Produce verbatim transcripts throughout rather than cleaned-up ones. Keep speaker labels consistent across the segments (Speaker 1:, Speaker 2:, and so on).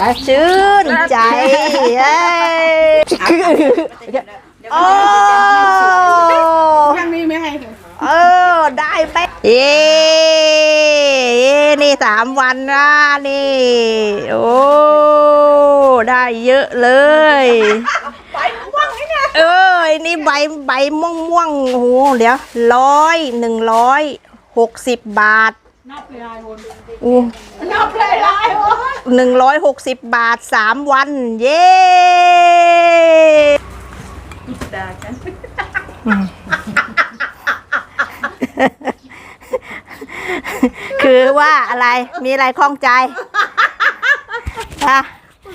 Speaker 1: ชื่นใจเอ้ยโอ้
Speaker 2: ทางนี้ไม่ให้
Speaker 1: เออได้ไปเย้นี่สามวันนะนี่โอ้ได้เยอะเลย
Speaker 2: ใบม่วงนี่นะ
Speaker 1: เออนี่ใบใบม่วงม่วงโอ้โหเดี๋ยวร้อยหนึ่งร้อยหกสิบบาท
Speaker 2: นับเลยลายคน
Speaker 1: อู้
Speaker 2: นับเลยลายคน
Speaker 1: หนึ่งร้อยหกสิบบาทสามวันเย้
Speaker 2: ด่าฉัน
Speaker 1: คือว่าอะไรมีอะไรคล่องใจอะ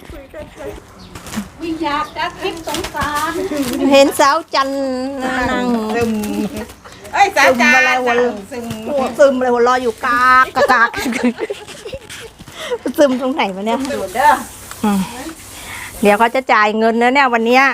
Speaker 2: วิญญาณจะคิดสงสาร
Speaker 1: เห็นสาวจันนั่งซึม
Speaker 2: เอ้ยสาวจันอะไรวะ
Speaker 1: ซึมซึมอะไรวะรออยู่กากกากซึมตรงไหนวะเนี่ยเดี๋ยวเขาจะจ่ายเงินแล้วเนี่ยวันนี้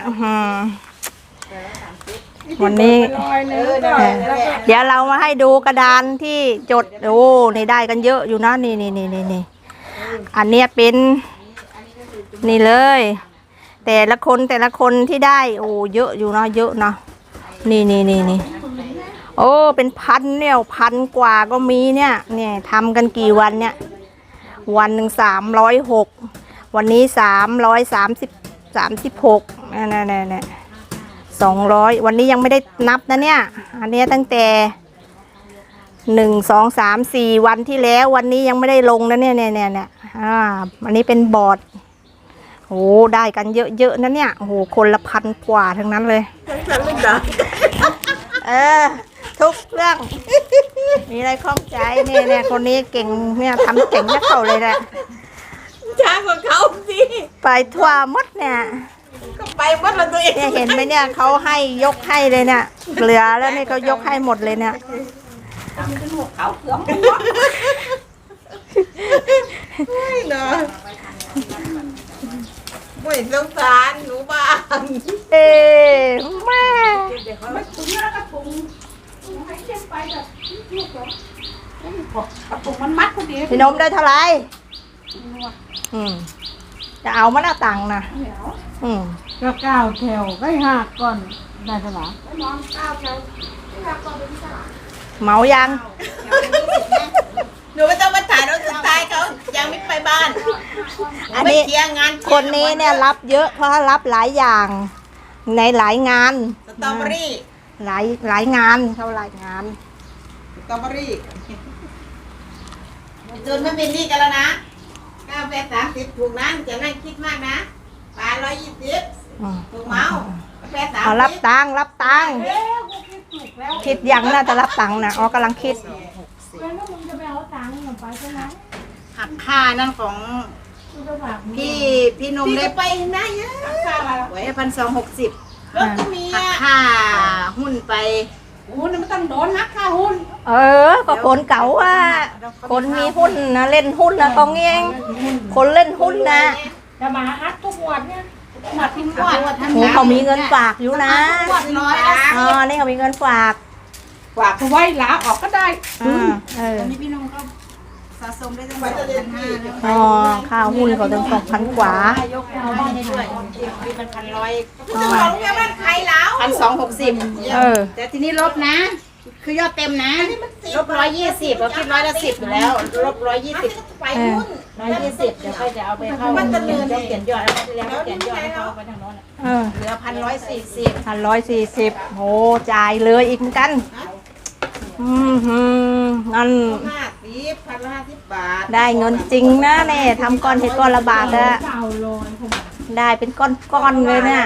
Speaker 1: วันนี้เดี๋ยวเรามาให้ดูกระดานที่จดโอ้นี่ได้กันเยอะอยู่นะนี่นี่นี่นี่นี่อันเนี้ยเป็นนี่เลยแต่ละคนแต่ละคนที่ได้โอ้เยอะอยู่นะเยอะนะนี่นี่นี่นี่โอ้เป็นพันเนี่ยพันกว่าก็มีเนี่ยเนี่ยทำกันกี่วันเนี่ยวันหนึ่งสามร้อยหกวันนี้สามร้อยสามสิบสามสิบหกนี่นี่นี่นี่สองร้อยวันนี้ยังไม่ได้นับนะเนี่ยอันนี้ตั้งแต่หนึ่งสองสามสี่วันที่แล้ววันนี้ยังไม่ได้ลงนะเนี่ยเนี่ยเนี่ยเนี่ยอ่าอันนี้เป็นบอร์ดโอ้ได้กันเยอะๆนะเนี่ยโอ้โหคนละพันกว่าทั้งนั้นเลยเออทุกเรื่องมีอะไรข้องใจเนี่ยเนี่ยคนนี้เก่งเนี่ยทำเก่งนักเขาเลยแหละ
Speaker 2: ช้ากว่าเขาสิ
Speaker 1: ไปทั่วมดเนี่ย
Speaker 2: ก็ไปหมดแล้วตัวเอง
Speaker 1: เนี่ยเห็นไหมเนี่ยเขาให้ยกให้เลยเนี่ยเหลือแล้วนี่เขายกให้หมดเลยเนี่ย
Speaker 2: ทำเป็นหัวเขาเขือมไม่เนาะไม่สงสารหนูบ้าง
Speaker 1: เอ๊แม่
Speaker 2: ไม่ถุงแล้วก็ถุงถุงให้เช็ดไปแบบลูกเหรอถุงมันมัดพอดี
Speaker 1: พี่นมได้เท่าไหร่อืมจะเอามาหน้าตังนะอืม
Speaker 2: ก็เก้าแถวก็หักก่อนได้เท่าไหร่นอนเก้าแถวหักก่อนเป็นสลา
Speaker 1: เมายัง
Speaker 2: หนูไม่ต้องมาถ่ายรถสุดท้ายเขายังไม่ไปบ้าน
Speaker 1: อันนี้คนนี้เนี่ยรับเยอะเพราะรับหลายอย่างในหลายงาน
Speaker 2: สตรอเบอรี่
Speaker 1: หลายหลายงานเท่าหลายงาน
Speaker 2: สตรอเบอรี่จนไม่เป็นนี่กันแล้วนะเก้าแปดสามสิบถูกนั้นจะนั่งคิดมากนะปลาร้อยยี่สิบถูกเมาแปดสาม
Speaker 1: เอารับตังรับตังคิดยังน่าจะรับตังนะอ๋อกำลังคิด
Speaker 2: หักค่านั่นของพี่พี่นมได้ไปนะเยอะไว้พันสองหกสิบหักค่าหุ้นไปหุ้นมันต้องโดนหักค่าหุ้น
Speaker 1: เออก็คนเก่าอ่ะคนมีหุ้นนะเล่นหุ้นนะตรงนี้เองคนเล่นหุ้นนะ
Speaker 2: จะมาฮักทุกวันเนี่ยมาทิ้งวัด
Speaker 1: โอ้เขามีเงินฝากอยู่นะอ๋อนี่เขามีเงินฝาก
Speaker 2: ฝากไว้ลาออกก็ได้
Speaker 1: อ่าเออ
Speaker 2: นี่พี่นมก็สะสมได้ตั้งสองพันห้า
Speaker 1: อ๋อค่าหุ้นเขาตั้งสองพันกว่าย
Speaker 2: กเอาบ้านได้ด้วยมีมันพันร้อยของเงี้ยมันใครแล้วพันสองหกสิบเออแต่ทีนี้ลบนะคือยอดเต็มนะลบร้อยยี่สิบเราคิดร้อยละสิบอยู่แล้วลบร้อยยี่สิบไปหุ้นร้อยยี่สิบเดี๋ยวค่อยจะเอาไปเข้าเขียนยอดเขียนยอดแล้วที่แล้วเขียนยอดให้เขาไปทางโน้นเหลือพันร้อยสี่สิบ
Speaker 1: พันร้อยสี่สิบโหจ่ายเลยอีกเหมือนกันอืมฮึงั้น
Speaker 2: ห้าสิบพันห้าสิบบาท
Speaker 1: ได้เงินจริงนะเนี่ยทำก้อนเห็ดก้อนละบาทอะได้เป็นก้อนก้อนเลยเนี่ย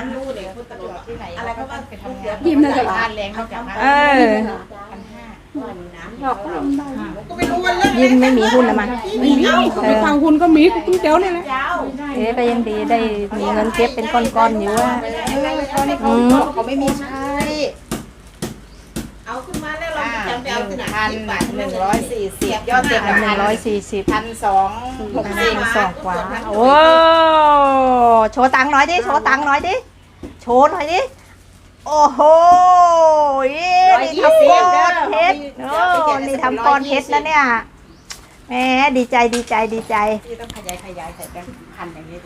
Speaker 2: ยิ้มเลยบ้านแรงเขาจาก
Speaker 1: เออยิ้มไม่มีหุ้นละมั้ง
Speaker 2: เออทางหุ้นก็มีตุ้งเจ้าเนี่ยแหละ
Speaker 1: เอ๊ะก็ยังดีได้มีเงินเก็บเป็นก้อนๆอยู่ว่า
Speaker 2: อืมเขาไม่มีใช้เอาขึ้นมาแล้วเราจำไปเอาที่ไหนพันหนึ่งร้อยสี่สิบยอดเต็ม
Speaker 1: หนึ่งร้อยสี่สิบ
Speaker 2: พันสองหกสิบ
Speaker 1: สองกว่าโอ้โชว์ตังค์หน่อยดิโชว์ตังค์หน่อยดิโชว์หน่อยดิโอ้โหนี่ทำก้อนเพชรโอ้นี่ทำก้อนเพชรนะเนี่ยแหมดีใจดีใจดีใจ
Speaker 2: พี่ต้องขยายขยายใส่แบงค์พันอย่างนี้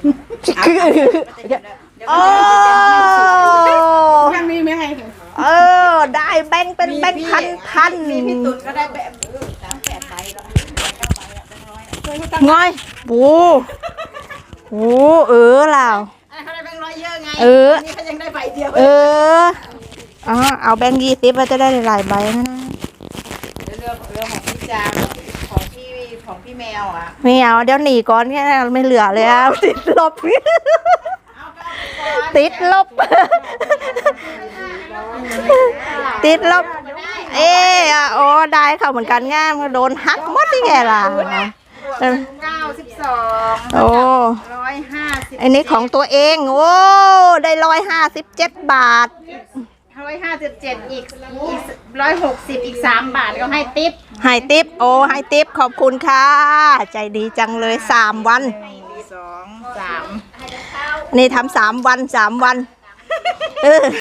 Speaker 1: โอ้
Speaker 2: ยังมีไม่ให้
Speaker 1: เออได้แบงค์เป็นแบงค์พันพัน
Speaker 2: มีพี่ตุ่นก็ได้แบบสามแปดใบแล้วเก้าใบแล้วแบงค์ร้อย
Speaker 1: ง่อยโอ้โหเออล่ะ
Speaker 2: เขาได้แบงค์ร้อยเยอะไง
Speaker 1: เออ
Speaker 2: นี่เขายังได้ใบเดียว
Speaker 1: เอออ๋อเอาแบงค์ยี่สิบมาจะได้หลายใบนะนะ
Speaker 2: เรื่องเรื่องของพี่จามของพี่ของพี่แมวอ่ะ
Speaker 1: ไม่เอาเดี๋ยวหนีก่อนแค่ไม่เหลือเลยอ่ะติดลบ ติดลบ ติดลบ เออโอ้ได้เขาเหมือนกันง่ามโดนหักหมดที่ไงล่ะ
Speaker 2: เก้าสิบสอง
Speaker 1: โอ้
Speaker 2: ร้อยห้าสิบ
Speaker 1: อันนี้ของตัวเองโอ้ได้ร้อยห้าสิบเจ็ดบาท
Speaker 2: ร้อยห้าสิบเจ็ดอีกอีกร้อยหกสิบอีกสามบาทก็ให้ติ๊บ
Speaker 1: ให้ติปโอ้ให้ติปขอบคุณค่ะ ใจดีจังเลยสามวัน
Speaker 2: สองสาม
Speaker 1: นี่ทำสามวันสามวันเออ